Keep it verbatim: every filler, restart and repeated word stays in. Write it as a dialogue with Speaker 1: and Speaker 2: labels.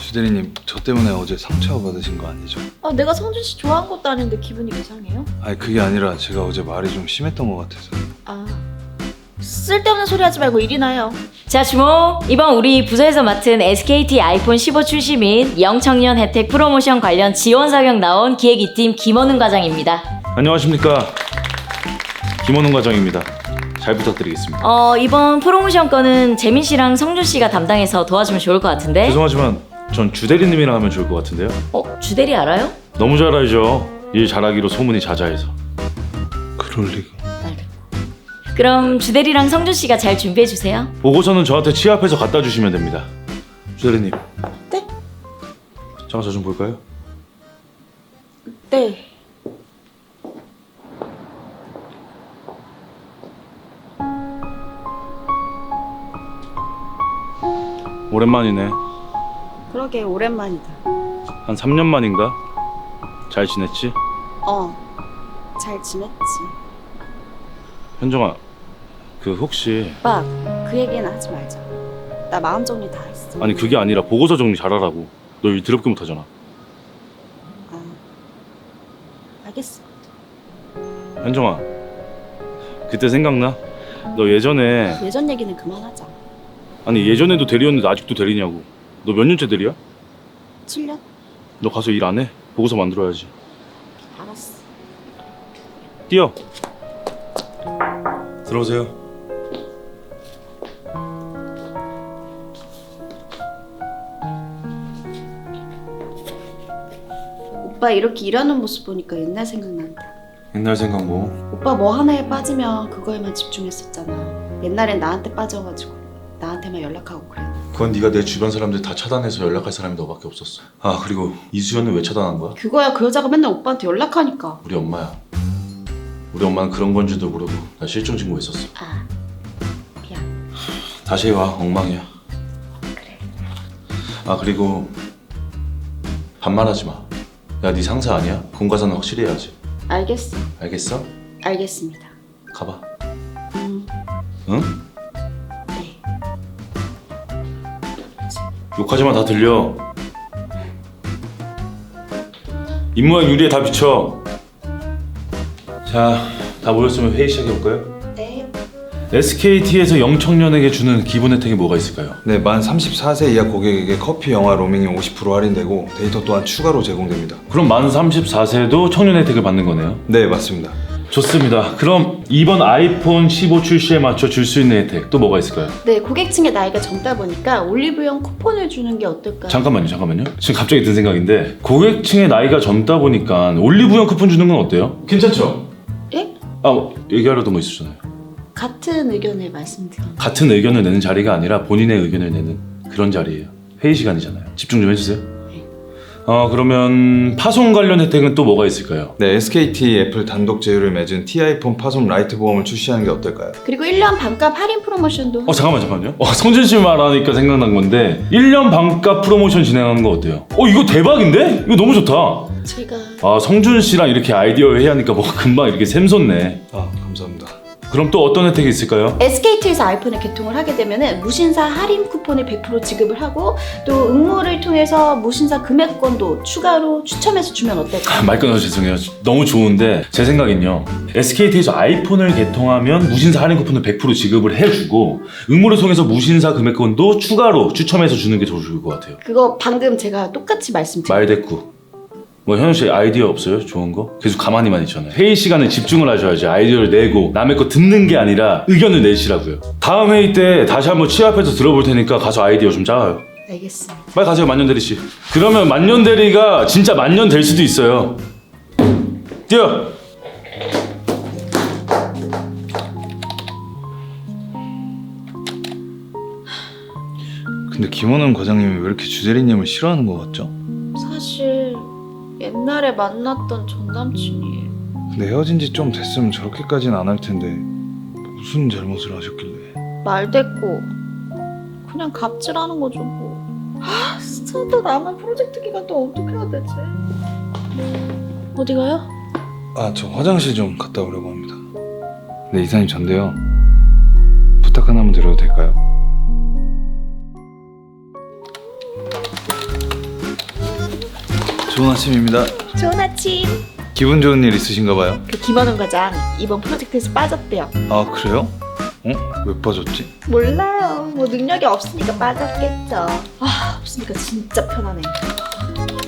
Speaker 1: 주대리님, 저 때문에 어제 상처 받으신 거 아니죠?
Speaker 2: 아, 내가 성준 씨 좋아한 것도 아닌데 기분이 이상해요?
Speaker 1: 아니 그게 아니라 제가 어제 말이 좀 심했던 것 같아서.
Speaker 2: 아, 쓸데없는 소리 하지 말고 일이나 해요.
Speaker 3: 자 주모, 이번 우리 부서에서 맡은 에스케이티 아이폰 십오 출시 및 영청년 혜택 프로모션 관련 지원 사격 나온 기획 이 팀 김원훈 과장입니다.
Speaker 4: 안녕하십니까, 김원훈 과장입니다. 잘 부탁드리겠습니다.
Speaker 3: 어 이번 프로모션 건은 재민 씨랑 성준 씨가 담당해서 도와주면 좋을 것 같은데.
Speaker 4: 죄송하지만 전 주대리님이랑 하면 좋을 것 같은데요.
Speaker 3: 어 주대리 알아요?
Speaker 4: 너무 잘 알죠. 일 잘하기로 소문이 자자해서.
Speaker 1: 그럴 리가.
Speaker 3: 그럼 주대리랑 성준 씨가 잘 준비해 주세요.
Speaker 4: 보고서는 저한테 취합해서 갖다 주시면 됩니다. 주대리님.
Speaker 2: 네?
Speaker 4: 잠깐 저 좀 볼까요?
Speaker 2: 네.
Speaker 4: 오랜만이네.
Speaker 5: 그러게 오랜만이다.
Speaker 4: 한 삼 년 만인가? 잘 지냈지?
Speaker 5: 어, 잘 지냈지.
Speaker 4: 현정아, 그 혹시
Speaker 5: 오빠, 그 얘기는 하지 말자. 나 마음 정리 다 했어.
Speaker 4: 아니 그게 아니라 보고서 정리 잘하라고. 너 일 더럽게 못하잖아.
Speaker 5: 아, 알겠어.
Speaker 4: 현정아, 그때 생각나? 너 예전에
Speaker 5: 예전 얘기는 그만하자.
Speaker 4: 아니 예전에도 대리였는데 아직도 대리냐고. 너 몇 년째 대리야?
Speaker 5: 칠 년?
Speaker 4: 너 가서 일 안 해? 보고서 만들어야지.
Speaker 5: 알았어.
Speaker 4: 뛰어. 들어오세요.
Speaker 5: 오빠 이렇게 일하는 모습 보니까 옛날 생각난다.
Speaker 4: 옛날 생각 뭐?
Speaker 5: 오빠 뭐 하나에 빠지면 그거에만 집중했었잖아. 옛날엔 나한테 빠져가지고 나한테만 연락하고 그래.
Speaker 6: 그건 네가 내 주변 사람들 다 차단해서 연락할 사람이 너밖에 없었어. 아 그리고 이수연은 왜 차단한 거야?
Speaker 5: 그거야 그 여자가 맨날 오빠한테 연락하니까.
Speaker 6: 우리 엄마야. 우리 엄마는 그런 건지도 모르고 나 실종 신고했었어.
Speaker 5: 아, 미안.
Speaker 6: 다시 해와 엉망이야.
Speaker 5: 그래.
Speaker 6: 아 그리고 반말하지 마. 야 네 상사 아니야? 공과사는 확실히 해야지.
Speaker 5: 알겠어.
Speaker 6: 알겠어?
Speaker 5: 알겠습니다.
Speaker 6: 가봐.
Speaker 5: 음,
Speaker 6: 응?
Speaker 5: 네.
Speaker 4: 욕하지 마, 다 들려. 입모양 유리에 다 비춰. 자, 다 모였으면 회의 시작해볼까요?
Speaker 5: 네.
Speaker 4: 에스케이티에서 영청년에게 주는 기본 혜택이 뭐가 있을까요?
Speaker 1: 네, 만 삼십사 세 이하 고객에게 커피, 영화, 로밍이 오십 퍼센트 할인되고 데이터 또한 추가로 제공됩니다.
Speaker 4: 그럼 만 삼십사 세도 청년 혜택을 받는 거네요?
Speaker 1: 네, 맞습니다.
Speaker 4: 좋습니다. 그럼 이번 아이폰 십오 출시에 맞춰 줄 수 있는 혜택 또 뭐가 있을까요?
Speaker 5: 네, 고객층의 나이가 젊다 보니까 올리브영 쿠폰을 주는 게 어떨까요?
Speaker 4: 잠깐만요, 잠깐만요. 지금 갑자기 든 생각인데 고객층의 나이가 젊다 보니까 올리브영 쿠폰 주는 건 어때요? 괜찮죠?
Speaker 5: 예?
Speaker 4: 아, 뭐, 얘기하려던 거 있었잖아요.
Speaker 5: 같은 의견을 말씀드립니다.
Speaker 4: 같은 의견을 내는 자리가 아니라 본인의 의견을 내는 그런 자리예요. 회의 시간이잖아요. 집중 좀 해주세요.
Speaker 5: 네.
Speaker 4: 어, 그러면 파손 관련 혜택은 또 뭐가 있을까요?
Speaker 1: 네, 에스케이티 애플 단독 제휴를 맺은 T아이폰 파손 라이트 보험을 출시하는 게 어떨까요?
Speaker 5: 그리고 일 년 반값 할인 프로모션도.
Speaker 4: 어, 잠깐만, 잠깐만요. 어, 성준 씨 말하니까 생각난 건데 일 년 반값 프로모션 진행하는 거 어때요? 어, 이거 대박인데? 이거 너무 좋다.
Speaker 5: 제가
Speaker 4: 아, 성준 씨랑 이렇게 아이디어 회의하니까 뭐 금방 이렇게 샘솟네.
Speaker 1: 아, 감사합니다.
Speaker 4: 그럼 또 어떤 혜택이 있을까요?
Speaker 5: 에스케이티에서 아이폰을 개통을 하게 되면은 무신사 할인 쿠폰을 백 퍼센트 지급을 하고 또 응모를 통해서 무신사 금액권도 추가로 추첨해서 주면 어떨까요?
Speaker 4: 말 끊어서 죄송해요. 너무 좋은데 제 생각엔요, 에스케이티에서 아이폰을 개통하면 무신사 할인 쿠폰을 백 퍼센트 지급을 해주고 응모를 통해서 무신사 금액권도 추가로 추첨해서 주는 게 더 좋을 것 같아요.
Speaker 5: 그거 방금 제가 똑같이 말씀드렸어요.
Speaker 4: 말대꾸. 뭐 현우 씨 아이디어 없어요? 좋은 거? 계속 가만히만 있잖아요. 회의 시간에 집중을 하셔야지. 아이디어를 내고 남의 거 듣는 게 아니라 의견을 내시라고요. 다음 회의 때 다시 한번 취합해서 들어볼 테니까 가서 아이디어 좀 짜와요.
Speaker 5: 알겠습니다.
Speaker 4: 빨리 가세요, 만년대리 씨. 그러면 만년대리가 진짜 만년 될 수도 있어요. 뛰어.
Speaker 1: 근데 김원훈 과장님이 왜 이렇게 주대리님을 싫어하는 것 같죠?
Speaker 2: 사실 옛날에 만났던 전 남친이에요.
Speaker 1: 근데 헤어진 지 좀 됐으면 저렇게까지는 안 할 텐데 무슨 잘못을 하셨길래?
Speaker 2: 말대꾸. 그냥 갑질하는 거죠 뭐. 아 진짜 또 남은 프로젝트 기간 또 어떻게 해야 되지? 어디 가요?
Speaker 1: 아, 저 화장실 좀 갔다 오려고 합니다. 네, 이사님 전데요. 부탁 하나만 드려도 될까요? 좋은 아침입니다.
Speaker 2: 좋은 아침.
Speaker 1: 기분 좋은 일 있으신가 봐요.
Speaker 2: 그 김원훈 과장 이번 프로젝트에서 빠졌대요.
Speaker 1: 아 그래요? 어? 왜 빠졌지?
Speaker 2: 몰라요. 뭐 능력이 없으니까 빠졌겠죠. 아 없으니까 진짜 편하네.